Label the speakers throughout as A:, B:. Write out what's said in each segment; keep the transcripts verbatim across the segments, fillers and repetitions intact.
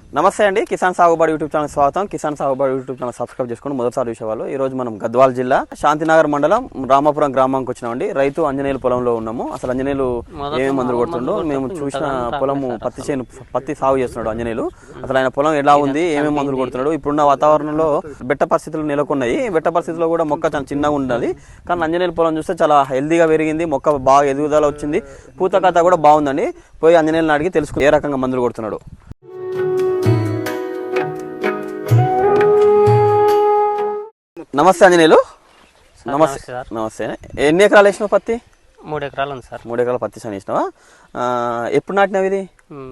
A: నమస్తే అండి, కిసాన్ సాగుబడి యూట్యూబ్ ఛానల్ స్వాగతం. కిసాన్ సాగుబడి యూట్యూబ్ ఛానల్ సబ్స్క్రైబ్ చేసుకోండి. మొదటిసారి చూసేవాళ్ళు. ఈ రోజు మనం గద్వాల జిల్లా శాంతినగర్ మండలం రామాపురం గ్రామానికి వచ్చినామండి. రైతు అంజనేయులు పొలంలో ఉన్నాము. అసలు అంజనేయులు ఏమేమి మందులు కొడుతుండో మేము చూసిన పొలము పత్తి చేను పత్తి సాగు చేస్తున్నాడు అంజనేయులు. అసలు ఆయన పొలం ఎలా ఉంది, ఏమేమి మందులు కొడుతున్నాడు, ఇప్పుడున్న వాతావరణంలో బెట్ట పరిస్థితులు నెలకొన్నాయి. బెట్ట పరిస్థితుల్లో కూడా మొక్క చాలా చిన్నగా ఉన్నది, కానీ అంజనేయులు పొలం చూస్తే చాలా హెల్దీగా పెరిగింది. మొక్క బాగా ఎదుగుదల వచ్చింది, పూత కథ కూడా బాగుందండి. పోయి అంజనేయులను అడిగి తెలుసుకుని ఏ రకంగా మందులు కొడుతున్నాడు. నమస్తే అంజనేయులు. నమస్తే నమస్తే ఎన్ని ఎకరాలు వేసినావు పత్తి?
B: మూడు ఎకరాలు ఉంది సార్.
A: మూడు ఎకరాల పత్తి సాగు వేసినావా? ఎప్పుడు నాటినావు ఇది?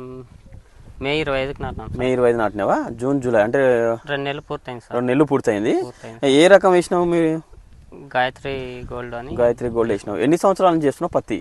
B: మే ఇరవై ఐదుకి నాటినాం.
A: మే ఇరవై ఐదు నాటినావా? జూన్ జూలై అంటే
B: రెండు నెలలు పూర్తయింది సార్.
A: రెండు నెలలు పూర్తయింది. ఏ రకం వేసినావు మీరు?
B: గాయత్రి గోల్డ్ అని.
A: గాయత్రి గోల్డ్ వేసినావు. ఎన్ని సంవత్సరాల నుంచి చేస్తున్నావు పత్తి?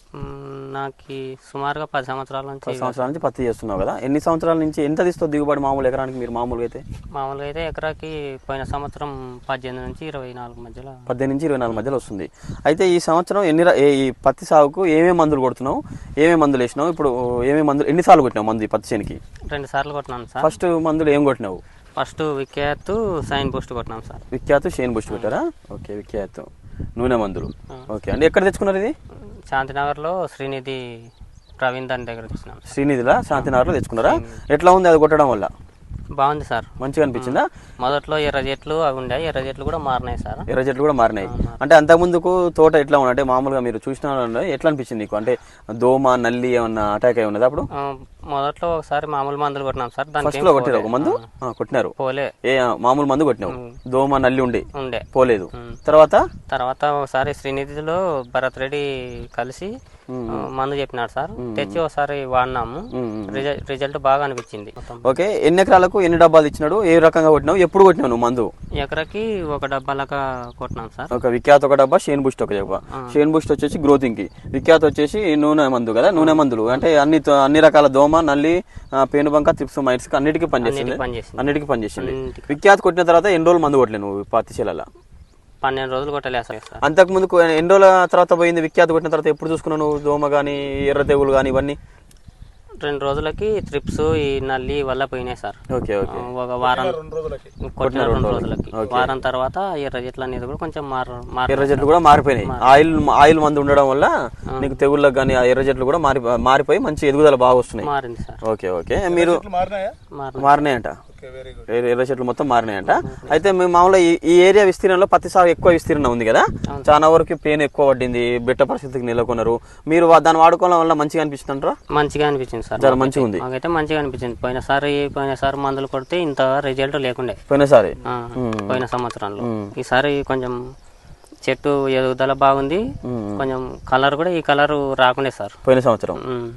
B: నాకు సుమారుగా పది సంవత్సరాల నుంచి
A: పది సంవత్సరాల నుంచి పత్తి చేస్తున్నావు కదా. ఎన్ని సంవత్సరాల నుంచి ఎంత తీస్తుంది దిగుబడి మామూలు ఎకరానికి మీరు? మామూలుగా అయితే
B: మామూలుగా అయితే ఎకరాకి పోయిన సంవత్సరం పద్దెనిమిది నుంచి ఇరవై నాలుగు మధ్యలో
A: పద్దెనిమిది నుంచి ఇరవై నాలుగు మధ్యలో వస్తుంది. అయితే ఈ సంవత్సరం ఎన్ని ఈ పత్తి సాగుకు ఏమేమి మందులు కొడుతున్నావు, ఏమేమి మందులు వేసినావు, ఇప్పుడు ఏమేమి మందులు ఎన్నిసార్లు కొట్టినావు మందు పత్తి చేనికి?
B: రెండు సార్లు కొట్టినాను సార్.
A: ఫస్ట్ మందులు ఏం కొట్టినావు?
B: ఫస్ట్ విఖ్యాత్ సైన్ బూస్ట్ కొట్టినాం సార్.
A: విఖ్యాత్ షైన్ బూస్ట్ కొట్టారా? ఓకే, విఖ్యాత్ నూనె మందులు. ఓకే అండి, ఎక్కడ తెచ్చుకున్నారు ఇది?
B: శాంతినగర్లో శ్రీనిధి ప్రవీణ్ దాని దగ్గర తెచ్చినాం.
A: శ్రీనిధిలా శాంతినగర్లో తెచ్చుకున్నారా? ఎట్లా ఉంది అది కొట్టడం వల్ల?
B: బాగుంది సార్, మంచిగా
A: అనిపించిందా?
B: మొదట్లో ఎర్ర చెట్లు అవి ఉండే, ఎర్ర చెట్లు కూడా మారినాయి సార్.
A: ఎర్ర చెట్లు కూడా మారినాయి. అంటే అంతకు ముందుకు తోట ఎట్లా ఉంది? అంటే మామూలుగా మీరు చూసిన ఎట్లా అనిపించింది నీకు? అంటే దోమ నల్లి ఏమన్నా అటాక్ అయి ఉన్నది అప్పుడు?
B: మొదట్లో ఒకసారి మామూలు మందులు కొట్టినాం సార్.
A: ఫస్ట్ లో కొట్టారు ఒక మందు కొట్టినారు,
B: పోలే.
A: ఏ మామూలు మందు కొట్టినావు, దోమ నల్లి ఉండే
B: ఉండే
A: పోలేదు. తర్వాత
B: తర్వాత ఒకసారి శ్రీనిధిలో భరత్ రెడ్డి కలిసి మందు చెప్పినాడు సార్. తెచ్చి ఒకసారి వాడినాము, రిజల్ట్ బాగా అనిపించింది.
A: ఓకే, ఎన్ని ఎకరాలకు ఎన్ని డబ్బాలు ఇచ్చినాడు, ఏ రకంగా కొట్టినావు, ఎప్పుడు కొట్టినావు నువ్వు మందు?
B: ఎకరకి ఒక డబ్బా లాగా కొట్టినాం సార్.
A: ఒక విఖ్యాత్ ఒక డబ్బా, షేన్ బూస్ట్ ఒక డబ్బా. షేన్ బూస్ట్ వచ్చేసి గ్రోతింగ్ కి, విఖ్యాత్ వచ్చేసి నూనె మందు కదా. నూనె మందులు అంటే అన్ని అన్ని రకాల దోమ నల్లి పేనుబంక త్రిప్స్ మైట్స్ అన్నిటికీ పనిచేసింది. అన్నిటికీ పనిచేసింది. విఖ్యాత్ కొట్టిన తర్వాత ఎన్ని రోజులు మందు కొట్టలే నువ్వు పత్తి చేలలో?
B: పన్నెండు రోజులు కొట్టలే సార్.
A: అంతకు ముందు ఎన్ని రోజుల తర్వాత పోయింది విఖ్యాత్ కొట్టిన తర్వాత? ఎప్పుడు చూసుకున్నావు నువ్వు దోమ గానీ ఎర్ర తెగులు గానీ ఇవన్నీ?
B: రెండు రోజులకి ట్రిప్స్ ఈ నల్లి వల్ల పోయినాయి సార్.
A: ఓకే ఓకే,
B: ఒక వారం కొట్టిన రెండు రోజులకి. వారం తర్వాత ఎర్ర చెట్లు అనేది కూడా కొంచెం మారు
A: ఎర్ర చెట్లు కూడా మారిపోయినాయి. ఆయిల్ ఆయిల్ మందు ఉండడం వల్ల నీకు తెగుళ్ళకి కానీ ఆ ఎర్ర చెట్లు కూడా మారి మారిపోయి మంచి ఎదుగుదల బాగా వస్తున్నాయి.
B: మారింది సార్.
A: ఓకే ఓకే, మీరు మారినాయంట, ఎర్ర చెట్లు మొత్తం మారినాయంట. అయితే మేము మామూలుగా ఈ ఏరియా విస్తీర్ణంలో పత్తి సాగు ఎక్కువ విస్తీర్ణం ఉంది కదా, చాలా వరకు పెయిన్ ఎక్కువ పడింది, బెట్ట పరిస్థితికి నెలకొన్నారు. మీరు దాన్ని వాడుకోవడం వల్ల మంచిగా అనిపిస్తుంటారా?
B: మంచిగా అనిపించింది సార్,
A: చాలా మంచిగా ఉంది.
B: మాకైతే మంచిగా అనిపించింది. పోయినసారి పోయినసారి మందులు కొడితే ఇంత రిజల్ట్ లేకుండే
A: పోయినసారి,
B: పోయిన సంవత్సరంలో. ఈసారి కొంచెం చెట్టు ఎదుగుదల బాగుంది, కొంచెం కలర్ కూడా ఈ కలర్ రాకుండే సార్
A: పోయిన సంవత్సరం.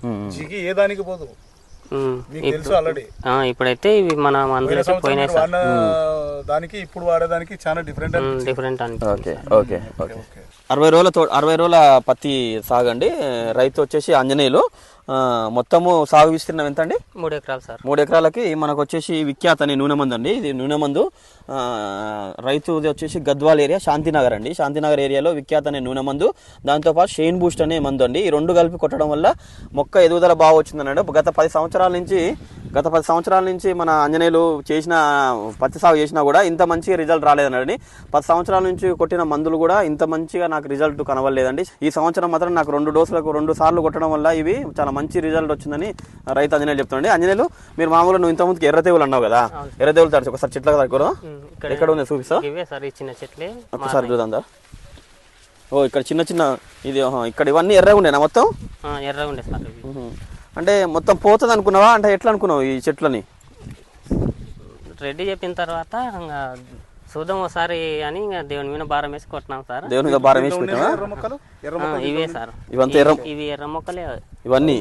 B: ఇప్పుడైతే ఇవి మన మందులు పోయినాయి సార్.
C: దానికి ఇప్పుడు వాడేదానికి చాలా డిఫరెంట్
B: డిఫరెంట్ అని.
A: ఓకే ఓకే ఓకే, అరవై రోజుల తో అరవై రోజుల పత్తి సాగండి. రైతు వచ్చేసి అంజనేయులు. మొత్తము సాగు విస్తీర్ణం ఎంత అండి?
B: మూడు ఎకరాలు సార్.
A: మూడు ఎకరాలకి మనకు వచ్చేసి విఖ్యాత్ అని నూనె మందు అండి. ఇది నూనె మందు. రైతుది వచ్చేసి గద్వాల్ ఏరియా శాంతినగర్ అండి. శాంతినగర్ ఏరియాలో విఖ్యాత్ అనే నూనె మందు, దాంతోపాటు షైన్ బూస్ట్ అనే మందు అండి. ఈ రెండు కలిపి కొట్టడం వల్ల మొక్క ఎదుగుదల బాగా వచ్చిందన్నాడు. గత పది సంవత్సరాల నుంచి గత పది సంవత్సరాల నుంచి మన అంజనేయులు చేసిన పత్తి సాగు చేసినా కూడా ఇంత మంచి రిజల్ట్ రాలేదన్నాడు. పది సంవత్సరాల నుంచి కొట్టిన మందులు కూడా ఇంత మంచిగా నాకు రిజల్ట్ కనవలేదండి. ఈ సంవత్సరం మాత్రం నాకు రెండు డోసులకు రెండు సార్లు కొట్టడం వల్ల ఇవి చాలా మంచి రిజల్ట్ వచ్చిందని రైతు అంజనేయులు చెప్తానండి. అంజనేయులు, మీరు మామూలుగా నువ్వు ఇంతకుముందుకు ఎర్ర తెగులు అన్నావు కదా, ఎర్ర తెగులు తరచు ఒకసారి చెట్ల దగ్గర ఎక్కడ ఉంది చూపిస్తా ఒకసారి చూద్దా. ఓ ఇక్కడ చిన్న చిన్న ఇది ఇక్కడ ఇవన్నీ ఎర్రగా ఉండేనా మొత్తం?
B: ఎర్రగా ఉండే సార్.
A: అంటే మొత్తం పోతుంది అనుకున్నావా? అంటే ఎట్లా అనుకున్నావు ఈ చెట్లని?
B: రెడ్డి చెప్పిన తర్వాత చూద్దాం ఒకసారి అని దేవుని మీద భారం వేసి కొట్టినాం సార్.
A: దేవుని మీద భారం వేసి కొట్టినా?
B: ఇవే సార్,
A: ఇవంతా ఎర్ర
B: ఇవి ఎర్ర మొక్కలే ఇవన్నీ.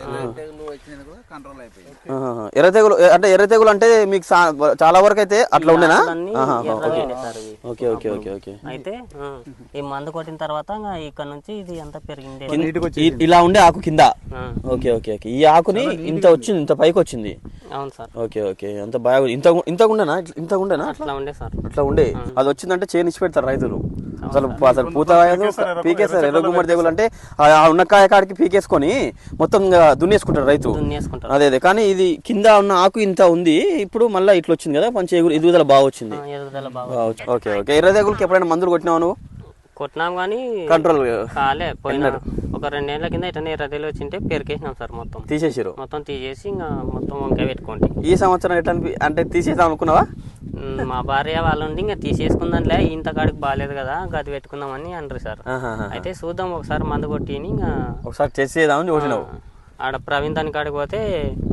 A: ఎర్ర తెగులు అంటే ఎర్ర తెగులు అంటే మీకు చాలా వరకు అయితే అట్లా ఉండేనా? Okay okay okay okay.
B: అయితే ఈ మందు కొట్టిన తర్వాత ఇక్కడ నుంచి ఇది అంతా పెరిగింది.
A: ఇలా ఉండే ఆకు కింద. ఓకే ఓకే ఓకే, ఈ ఆకుని ఇంత వచ్చింది, ఇంత పైకి వచ్చింది.
B: అవును సార్.
A: ఓకే ఓకే, అంత బాగా ఇంత ఇంత ఉండేనా? ఇంత ఉండేనా?
B: అట్లా ఉండే సార్,
A: అట్లా ఉండే. అది వచ్చిందంటే చేనిచ్చి పెడతారు రైతులు. అసలు అసలు పూత పీకేస్తారు ఎర్ర గుమ్మడి తెగులు అంటే ఆ ఉన్న కాయ కాడికి పీకేసుకొని మొత్తం దున్నేసుకుంటారు రైతు.
B: దున్నేసుకుంటారు.
A: అదే అదే కానీ ఇది కింద ఉన్న ఆకు ఇంత ఉంది, ఇప్పుడు మళ్ళీ ఇట్లా వచ్చింది కదా, మంచి ఎగురు ఎదుగుదల బాగా వచ్చింది.
B: ఎదుగుదల బాగా.
A: Okay okay. ఎర్ర తెగులకి ఎప్పుడైనా మందులు కొట్టినావు నువ్వు?
B: కొట్టినాం కానీ
A: కంట్రోల్
B: కాలే. పోయిన ఒక రెండేళ్ల కింద ఇటనే ఎర్రదేలు వచ్చింటే పెరికేసినాం సార్, మొత్తం
A: తీసేసారు.
B: మొత్తం తీసేసి ఇంకా మొత్తం వంకాయ పెట్టుకోండి.
A: ఈ సంవత్సరం ఎట్లా అంటే తీసేద్దాం అనుకున్నావా?
B: మా భార్య వాళ్ళు ఉండి ఇంకా తీసేసుకుందాంలే, ఇంత కాడికి బాగాలేదు కదా గది పెట్టుకుందామని అంటారు సార్. అయితే చూద్దాం ఒకసారి మందు కొట్టి ఇంకా
A: ఒకసారి చేసేద్దామని చూసినావు.
B: ఆడ ప్రవీణ్ దాని కాడికి పోతే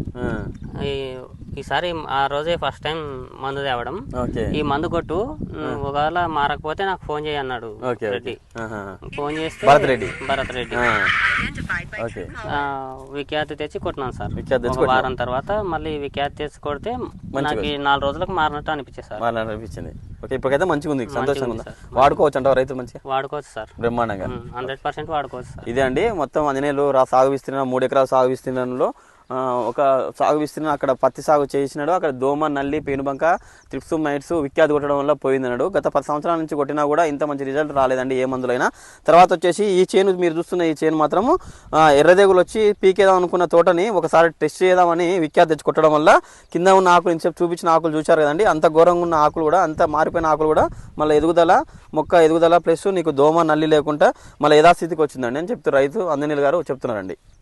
B: ఈసారి ఆ రోజే ఫస్ట్ టైం మందు తేవడం. ఈ మందు కొట్టు, ఒకవేళ మారకపోతే నాకు ఫోన్ చేయి అన్నాడు రెడ్డి. ఫోన్ చేస్తే భరత్ రెడ్డి భరత్ రెడ్డి విఖ్యాతి తెచ్చి కొట్టినాను సార్. ఒక వారం తర్వాత మళ్ళీ విఖ్యాతి తెచ్చి కొడితే నాకు నాలుగు రోజులకు మారినట్టు అనిపించింది సార్.
A: అనిపించింది. ఓకే, ఇప్పటికైతే మంచిగా ఉంది, సంతోషంగా ఉంది. వాడుకోవచ్చు అంటావు రైతులు? మంచిగా
B: వాడుకోవచ్చు సార్,
A: బ్రహ్మాండంగా
B: హండ్రెడ్ పర్సెంట్ వాడుకోవచ్చు సార్.
A: ఇదే అండి మొత్తం ఆంజనేయులు రా సాగు విస్తీర్ణం మూడు ఎకరాల సాగు విస్తీర్ణంలో ఒక సాగు విస్తీర్ణం అక్కడ పత్తి సాగు చేసినాడు. అక్కడ దోమ, నల్లి, పేనుబంక, త్రిప్స్, మైట్స్ విఖ్యాతి కొట్టడం వల్ల పోయిందన్నాడు. గత పది సంవత్సరాల నుంచి కొట్టినా కూడా ఇంత మంచి రిజల్ట్ రాలేదండి ఏ మందులైనా. తర్వాత వచ్చేసి ఈ చేను మీరు చూస్తున్న ఈ చేను మాత్రము ఎర్రదేగులు వచ్చి పీకేదాం అనుకున్న తోటని ఒకసారి టెస్ట్ చేద్దామని విఖ్యాతి తెచ్చి కొట్టడం వల్ల కింద ఉన్న ఆకులు ఇంతసేపు చూపించిన ఆకులు చూశారు కదండి, అంత ఘోరంగా ఉన్న ఆకులు కూడా, అంత మారిపోయిన ఆకులు కూడా మళ్ళీ ఎదుగుదల, మొక్క ఎదుగుదల ప్లస్ నీకు దోమ, నల్లి లేకుండా మళ్ళీ యథాస్థితికి వచ్చిందండి అని చెప్తారు రైతు ఆంజనేయులు గారు చెప్తున్నారండి.